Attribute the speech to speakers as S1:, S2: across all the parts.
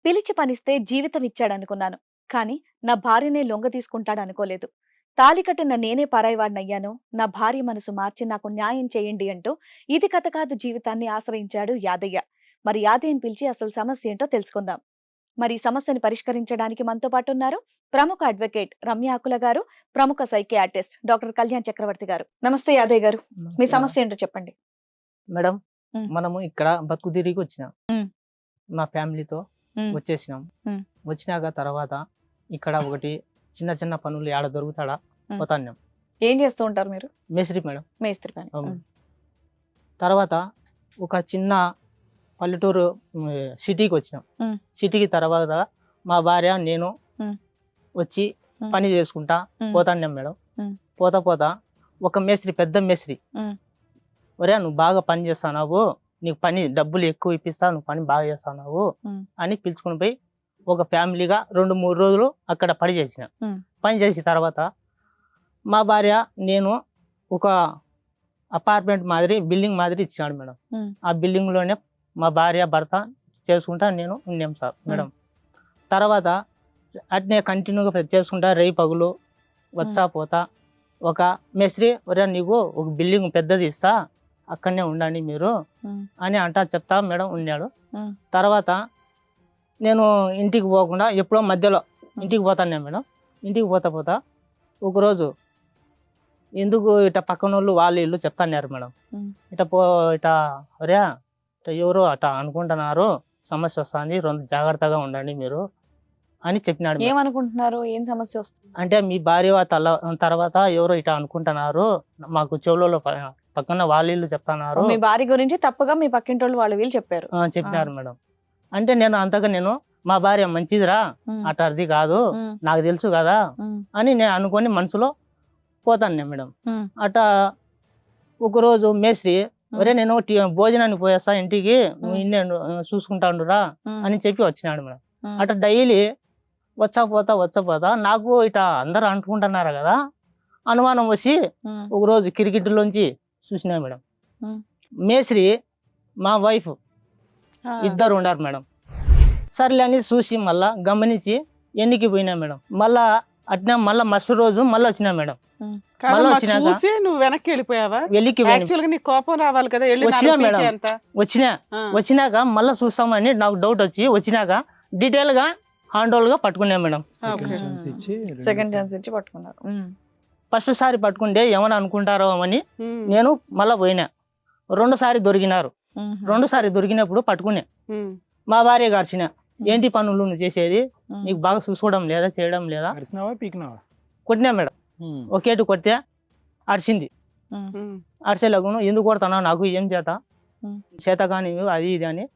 S1: పిలిచి పనిస్తే జీవితం ఇచ్చాడనుకున్నాను. కానీ నా భార్యనే లొంగ తీసుకుంటాడనుకోలేదు. తాళి కట్టిన నేనే పరాయివాడినయ్యాను. నా భార్య మనసు మార్చి నాకు న్యాయం చేయండి అంటూ ఇది కథ కాదు జీవితాన్ని ఆశ్రయించాడు యాదయ్య. మరి యాదయ్యని పిలిచి అసలు సమస్య ఏంటో తెలుసుకుందాం. మరి ఈ సమస్యని పరిష్కరించడానికి మనతో పాటు ఉన్నారు ప్రముఖ అడ్వకేట్ రమ్య ఆకుల గారు, ప్రముఖ సైకియాట్రిస్ట్ డాక్టర్ కళ్యాణ్ చక్రవర్తి గారు. నమస్తే యాదయ్య గారు, మీ సమస్య ఏంటో చెప్పండి.
S2: మేడం,
S1: మ్.
S2: మనము ఇక్కడ బతుకు తిరిగి వచ్చినాం.
S1: మ్.
S2: మా ఫ్యామిలీతో
S1: మ్.
S2: వచ్చేసినాం.
S1: మ్.
S2: వచ్చినాక తర్వాత ఇక్కడ ఒకటి చిన్న చిన్న పనులు ఆడ దొరుకుతాడా
S1: మ్.
S2: పోతాన్నాం.
S1: ఏం చేస్తూ ఉంటారు మీరు?
S2: మేస్త్రి మేడం.
S1: మేస్త్రి పని.
S2: అవును. తర్వాత ఒక చిన్న పల్లెటూరు సిటీకి వచ్చినాం.
S1: మ్.
S2: సిటీకి తర్వాత మా భార్య నేను
S1: మ్.
S2: వచ్చి
S1: మ్.
S2: పని చేసుకుంటా
S1: మ్.
S2: పోతాన్నాం మేడం.
S1: మ్.
S2: పోతా ఒక మేస్త్రి, పెద్ద మేస్త్రి,
S1: మ్.
S2: ఒరే నువ్వు బాగా పని చేస్తున్నావు, నీకు పని డబ్బులు ఎక్కువ ఇప్పిస్తా, నువ్వు పని బాగా చేస్తున్నావు
S1: మ్.
S2: అని పిలుచుకుని పోయి ఒక ఫ్యామిలీగా 2-3 రోజులు అక్కడ పని చేసిన.
S1: మ్.
S2: పని చేసిన తర్వాత మా భార్య నేను ఒక అపార్ట్మెంట్ మాదిరి, బిల్డింగ్ మాదిరి ఇచ్చినాడు మేడం.
S1: మ్.
S2: ఆ బిల్డింగ్లోనే మా భార్య భర్త చేసుకుంటా నేను ఉన్నాం సార్ మేడం. తర్వాత అట్నే కంటిన్యూగా చేసుకుంటా రేయి పగులు వచ్చా పోతా ఒక మేస్త్రి, ఒరే నీకు ఒక బిల్డింగ్ పెద్దది ఇస్తా, అక్కడనే ఉండండి మీరు అని అంటా చెప్తా మేడం ఉన్నాడు. తర్వాత నేను ఇంటికి పోకుండా ఎప్పుడో మధ్యలో ఇంటికి పోతాను మేడం. ఇంటికి పోతా ఒకరోజు ఎందుకు ఇట పక్కన వాళ్ళు ఇల్లు చెప్తాన్నారు మేడం. ఇట ఒరే ఇట ఎవరు అట అనుకుంటున్నారు, సమస్య వస్తుంది, 2 జాగ్రత్తగా ఉండండి మీరు అని చెప్పినాడు.
S1: ఏమనుకుంటున్నారు? ఏం సమస్య వస్తుంది
S2: అంటే మీ భార్య తర్వాత ఎవరో ఇట అనుకుంటున్నారు, మాకు చెవులలో పక్కన వాళ్ళ ఇల్లు చెప్తున్నారు.
S1: మీ భార్య గురించి తప్పుగా మీ పక్కింటి వాళ్ళు వీళ్ళు చెప్పారు.
S2: చెప్పినారు మేడం. అంటే నేను అంతగా నేను మా భార్య మంచిదిరా, అట అది కాదు నాకు తెలుసు కదా అని నేను అనుకొని మనసులో పోతాను మేడం. అట ఒకరోజు మేస్త్రి, ఒరే నేను భోజనానికి పోయేస్తా ఇంటికి, నువ్వు ఇన్నే చూసుకుంటాండురా అని చెప్పి వచ్చినాడు మేడం. అట డైలీ వచ్చా పోతా నాకు ఇట అందరు అనుకుంటున్నారు కదా అనుమానం వచ్చి ఒకరోజు కిరికిట్లోంచి చూసినా మేడం. మేస్త్రి మా వైఫ్ ఇద్దరు ఉన్నారు మేడం. సర్లే అని చూసి మళ్ళా గమనించి ఎన్నికి పోయినా మేడం. మళ్ళా అట్నే మళ్ళా మస్తు రోజు మళ్ళీ వచ్చినా మేడం.
S3: చూసి నువ్వు వెనక్కి వెళ్ళిపోయావా?
S2: వెళ్ళికి
S3: నీకు కోపం రావాలి కదా.
S2: వచ్చినా మేడం. వచ్చినాక మళ్ళీ చూస్తామని నాకు డౌట్ వచ్చి వచ్చినాక డీటెయిల్ గా హ్యాండ్ ఓవర్ గా పట్టుకున్నా మేడం.
S1: సెకండ్ ఛాన్స్ ఇచ్చి పట్టుకున్నారు.
S2: ఫస్ట్ సారి పట్టుకుంటే ఏమని అనుకుంటారో అని నేను మళ్ళా పోయినా. 2 సారి దొరికినారు. 2 సారి దొరికినప్పుడు పట్టుకునే మా భార్య గడిచిన, ఏంటి పనులు నువ్వు చేసేది, నీకు బాగా చూసుకోవడం లేదా, చేయడం లేదా, కొట్టినా మేడం. ఒకేటి కొడితే అరిచింది. అరిచేలాగును ఎందుకు కొడతానా, నాకు ఏం చేత కానీ అది ఇది అని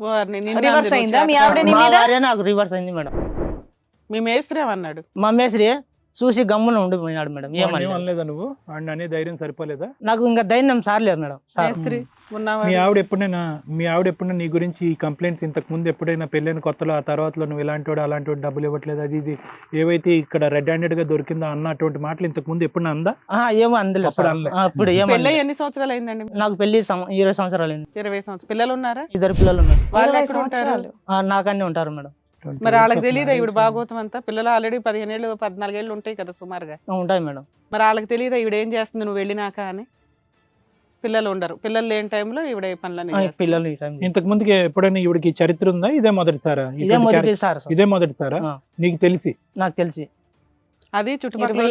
S2: మా భార్య నాకు రివర్స్ అయింది మేడం.
S3: మీ మేస్త్రి ఏమన్నాడు?
S2: మా మేస్త్రి చూసి గమ్మున ఉండిపోయినాడు మేడం.
S4: ఏమనలేదా నువ్వు? అనే ధైర్యం సరిపోలేదా?
S2: నాకు ఇంకా ధైర్యం సార్లేదు మేడం.
S4: మీ ఆవిడ ఎప్పుడైనా నీ గురించి ఈ కంప్లైంట్స్ ఇంతకు ముందు ఎప్పుడైనా పెళ్ళైన కొత్తలో ఆ తర్వాతలో నువ్వు ఇలాంటి అలాంటి డబ్బులు ఇవ్వట్లేదు అది ఇది ఏవైతే ఇక్కడ రెడ్ హ్యాండెడ్ గా దొరికిందో అన్న అటువంటి మాటలు ఇంతకు ముందు ఎప్పుడైనా అందా?
S2: ఏమో అందలేదు. అప్పుడు
S3: ఎన్ని సంవత్సరాలు అయిందండి?
S2: నాకు పెళ్లి 20 సంవత్సరాలు అయింది.
S3: 20 సంవత్సరాలు. పిల్లలు ఉన్నారా?
S2: 2 పిల్లలు ఉన్నారు.
S3: వాళ్ళు ఎక్కడ ఉంటారు?
S2: నాకన్నీ ఉంటారు మేడం.
S3: మరి వాళ్ళకి తెలియదా ఈవిడ భాగవతం అంతా? పిల్లలు ఆల్రెడీ 15 ఏళ్ళు 14 ఏళ్ళు ఉంటాయి కదా సుమారుగా.
S2: ఉంటాయి మేడం.
S3: మరి వాళ్ళకి తెలియదా ఈవిడ ఏం చేస్తుంది నువ్వు వెళ్ళినాక అని? పిల్లలు ఉండరు. పిల్లలు లేని టైంలో ఈవిడ పనులని
S2: పిల్లలు
S4: ఇంతకు ముందుకి ఎప్పుడైనా ఈవిడికి చరిత్ర ఉందా? ఇదే మొదటిసారా? ఇదే మొదటిసారా నీకు తెలిసి?
S2: నాకు తెలిసి
S3: అది చుట్టుపక్కల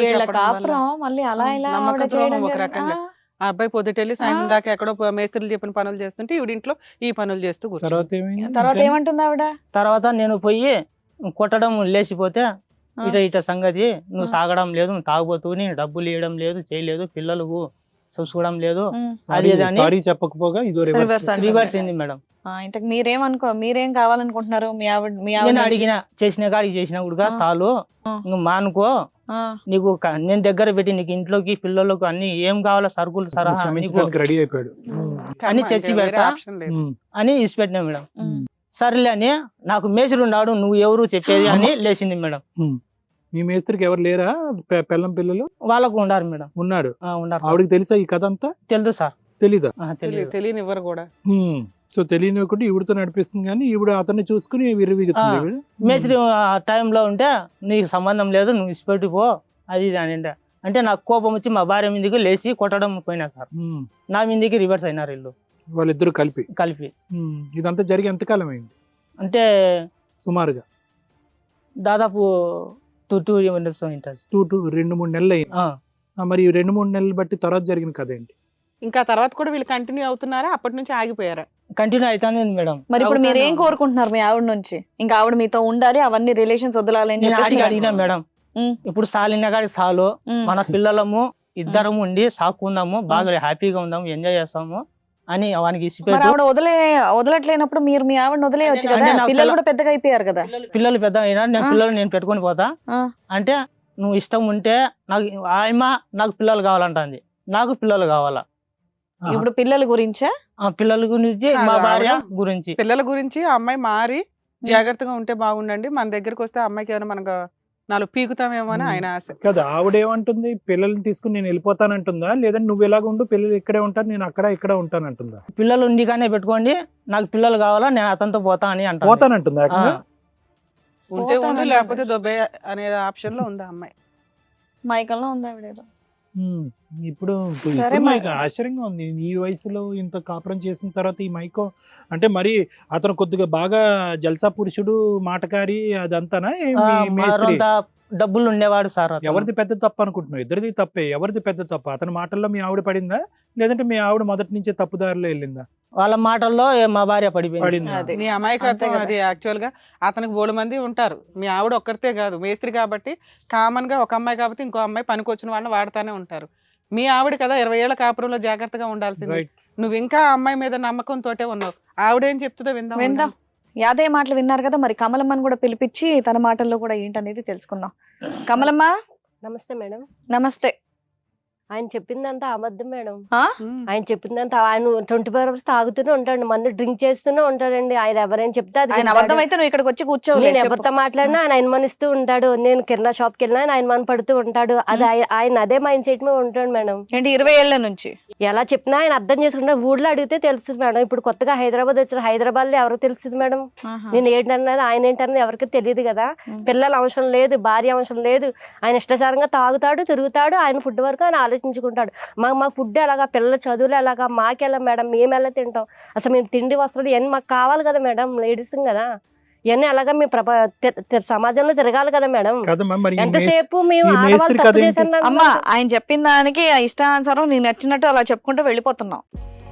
S3: ఒక రకంగా ఆ అబ్బాయి పొద్దుటెళ్ళి సాయంత్రం దాకా ఎక్కడో మేస్త్రులు చెప్పిన పనులు చేస్తుంటే ఈవిడ ఇంట్లో ఈ పనులు చేస్తూ
S1: తర్వాత ఏమంటుంది ఆవిడ?
S2: తర్వాత నేను పోయి కొట్టడం లేచిపోతే ఇట సంగతి నువ్వు సాగడం లేదు, నువ్వు తాగుబోతూ, నేను డబ్బులు ఇవ్వడం లేదు, చేయలేదు, పిల్లలకు చూసుకోవడం లేదు, అది
S4: చెప్పకపోగా
S2: రివర్స్ అయింది మేడం.
S1: ఇంతకు మీరేం కావాలనుకుంటున్నారు?
S2: నేను అడిగిన చేసిన కాడికి చేసిన కూడా చాలు, నువ్వు మానుకో, నీకు నేను దగ్గర పెట్టి నీకు ఇంట్లోకి పిల్లలకు అన్ని ఏం కావాలో సరుకులు సరహా
S4: రెడీ అయిపోయాడు
S2: అని చచ్చి పెడతా అని ఇసి పెట్టినా మేడం. సర్లే అని నాకు మేస్త్రి ఉన్నాడు, నువ్వు ఎవరు చెప్పేది అని లేచింది మేడం.
S4: మీ మేస్త్రికి ఎవరు లేరా పిల్లం పిల్లలు?
S2: వాళ్ళకు ఉన్నారు మేడం.
S4: ఉన్నారు. ఆవిడకి తెలుసా ఈ కథ అంతా?
S2: తెలుసు సార్.
S4: తెలీదా?
S3: తెలియనివ్వరు కూడా.
S4: సో తెలియనివ్వకుండా ఈవిడతో నడిపిస్తుంది కానీ ఈవిడ అతన్ని చూసుకుని విర్రవీగుతుంది
S2: ఆ.
S4: ఈవిడ.
S2: మేస్త్రి ఆ టైంలో ఉంటే నీకు సంబంధం లేదు, నువ్వు ఇచ్చిపెట్టిపో అది ఇది అని అంటే నాకు కోపం వచ్చి మా భార్య మీదకి లేచి కొట్టడం పోయినా సార్.
S4: ఉమ్.
S2: నా మీదకి రివర్స్ అయినారు వీళ్ళు
S4: వాళ్ళిద్దరు కలిపి.
S2: కలిపి.
S4: ఇదంతా జరిగి ఎంతకాలం అయింది
S2: అంటే
S4: సుమారుగా?
S2: దాదాపు 2 years ఉంటుంది.
S4: 2-3 నెలలు అయింది. మరి 2-3 నెలలు బట్టి తర్వాత జరిగిన కథ ఏంటి?
S3: ఇంకా తర్వాత కూడా వీళ్ళు కంటిన్యూ అవుతున్నారా, అప్పటి నుంచి ఆగిపోయారా?
S2: కంటిన్యూ అవుతానే మేడం.
S1: మరి ఇప్పుడు మీరు ఏం
S3: అవుతాను.
S1: కోరుకుంటున్నారు మీ ఆవిడ నుంచి? ఇంకా ఆవిడ మీతో ఉండాలి, అవన్నీ రిలేషన్స్ వదలాలని
S2: నేను
S1: చెప్పేసి
S2: అడిగినా మేడం,
S1: ఉమ్.
S2: ఇప్పుడు సాలిన కాడికి చాలు,
S1: ఉమ్.
S2: మన పిల్లలము ఇద్దరము ఉండి సాకుందాము, బాగా హ్యాపీగా ఉందాము, ఎంజాయ్ చేస్తాము అని వానికి
S1: మరి
S2: ఇచ్చిపెట్టు.
S1: ఆవిడ వదలట్లేనప్పుడు మీరు మీ ఆవిడని వదిలేయచ్చు
S2: అంటే
S1: కదా,
S2: నాకు
S1: పిల్లలు కూడా పెద్దగా అయిపోయారు కదా.
S2: పిల్లలు పెద్ద అయినా నేను
S1: ఆ.
S2: పిల్లలు నేను పెట్టుకొని పోతా
S1: ఆ.
S2: అంటే నువ్వు ఇష్టం ఉంటే నాకు నాకు పిల్లలు కావాలంటుంది, నాకు పిల్లలు కావాలా.
S1: ఇప్పుడు పిల్లల గురించా?
S2: ఆ పిల్లల గురించి మా
S3: కాదు,
S2: భార్య
S3: ఆవిడ
S2: గురించి.
S3: పిల్లల గురించి ఆ అమ్మాయి మారి జాగ్రత్తగా ఉంటే బాగుండండి, మన దగ్గరకు వస్తే ఆ అమ్మాయికి ఏమైనా మనకు 4 పీకుతామేమో అని ఆయన ఆశ.
S4: కదా ఆవిడేమంటుంది, పిల్లల్ని తీసుకుని నేను వెళ్ళిపోతానంటుందా, లేదంటే నువ్వు ఎలాగ ఉండు, పిల్లలు ఇక్కడే ఉంటారు, నేను అక్కడ ఇక్కడ ఉంటానంటుందా?
S2: పిల్లలు ఉండిగానే పెట్టుకోండి, నాకు పిల్లలు కావాలా, నేను అతనితో పోతా అని అంటాను.
S4: పోతానంటుందా ఏకంగా?
S3: ఉంటే ఉండు,
S1: పోతానంటుంది.
S3: లేకపోతే దొబ్బే అనే ఆప్షన్ లో ఉంది ఆ అమ్మాయి.
S1: మైకంలో ఉంది ఆవిడ ఏదో.
S4: ఉమ్. ఇప్పుడు
S1: సరే
S4: ఇప్పుడు
S1: మరి.
S4: నాకు ఆశ్చర్యంగా ఉంది, ఈ వయసులో ఇంత కాపురం చేసిన తర్వాత ఈ మైకో అంటే మరి అతను కొద్దిగా బాగా జల్సా పురుషుడు, మాటకారి అదంతానా? మేస్త్రి
S2: మరంత డబ్బులు ఉండేవాడు సార్ అతను.
S4: ఎవరిది పెద్ద తప్పు అనుకుంటున్నావు? ఇద్దరిది తప్పే. ఎవరిది పెద్ద తప్పు? అతని మాటల్లో మీ ఆవిడ పడిందా, లేదంటే మీ ఆవిడ మొదటి నుంచే తప్పుదారిలో వెళ్ళిందా?
S2: వాళ్ళ మాటల్లో మా భార్య పడిపోయింది.
S4: పడిందా?
S1: అదే.
S3: నీ అమాయకత్వం
S1: అంతే కదా.
S3: అది. యాక్చువల్ గా అతనికి 3 మంది ఉంటారు, మీ ఆవిడ ఒక్కరితే కాదు, మేస్త్రి కాబట్టి కామన్ గా ఒక అమ్మాయి కాబట్టి ఇంకో అమ్మాయి పనికొచ్చిన వాళ్ళని వాడుతానే ఉంటారు. మీ ఆవిడ కదా 20 ఏళ్ల కాపురంలో జాగ్రత్తగా ఉండాల్సింది.
S4: రైట్.
S3: నువ్వు ఇంకా ఆ అమ్మాయి మీద నమ్మకంతోటే ఉన్నావు. ఆవిడేం చెప్తుందో విందాం.
S1: విందాం. యాదయ్య మాటలు విన్నారు కదా, మరి కమలమ్మని కూడా పిలిపించి తన మాటల్లో కూడా ఏంటనేది తెలుసుకుందాం. కమలమ్మ
S5: నమస్తే మేడం.
S1: నమస్తే.
S5: ఆయన చెప్పిందంతా అబద్ధం మేడం.
S3: ఉమ్.
S5: ఆయన చెప్పిందంతా ఆయన 24 hours తాగుతూనే ఉంటాడు, మందు డ్రింక్ చేస్తూనే ఉంటాడండి. ఆయన ఎవరైనా చెప్తే అది
S1: ఆయన
S5: వింటాడు.
S1: అబద్ధం అయితే నువ్వు ఇక్కడికి వచ్చి కూర్చోవాలి.
S5: నేను ఎవరితో మాట్లాడినా ఆయన అనుమానిస్తూ ఉంటాడు. నేను కిరాణా షాప్ కి వెళ్ళినా ఆయన అనుమాన పడుతూ ఉంటాడు. అది ఆయన అదే మైండ్ సెట్ మీద ఉంటాడు మేడం.
S1: ఏంటి 20 ఏళ్ల నుంచి?
S5: ఎలా చెప్పినా ఆయన అర్థం చేసుకుంటే ఊళ్ళో అడిగితే తెలుస్తుంది మేడం. ఇప్పుడు కొత్తగా హైదరాబాద్ వచ్చారు, హైదరాబాద్ లో ఎవరికి తెలుస్తుంది మేడం? నేను ఏంటన్నది ఆయన ఏంటన్నది ఎవరికి తెలియదు కదా. పిల్లల అవసరం లేదు, భార్య అవసరం లేదు. ఆయన ఇష్టాచారంగా తాగుతాడు, తిరుగుతాడు. ఆయన ఫుడ్ వరకు ఆయన ఆలోచించుకుంటాడు. మాకు ఫుడ్ ఎలాగా, పిల్లల చదువులు ఎలాగా, మాకెలా మేడం, మేము ఎలా తింటాం? అసలు మేము తిండి వస్త్రాలు ఇవన్నీ మాకు కావాలి కదా మేడం, లేడీస్ కదా. ఇవన్నీ అలాగా మేము సమాజంలో తిరగాలి కదా మేడం.
S4: కదమ్మా, మరి ఈ
S5: ఎంతసేపు మేము
S4: ఈ
S5: ఆడవాళ్ళు
S4: మేస్త్రి
S5: తప్పు
S4: కథ ఏంటి?
S5: చేశాను
S1: అమ్మా ఆయన చెప్పిన దానికి ఆ ఇష్టానుసారం నేను నచ్చినట్టు అలా చెప్పుకుంటూ వెళ్ళిపోతున్నావు.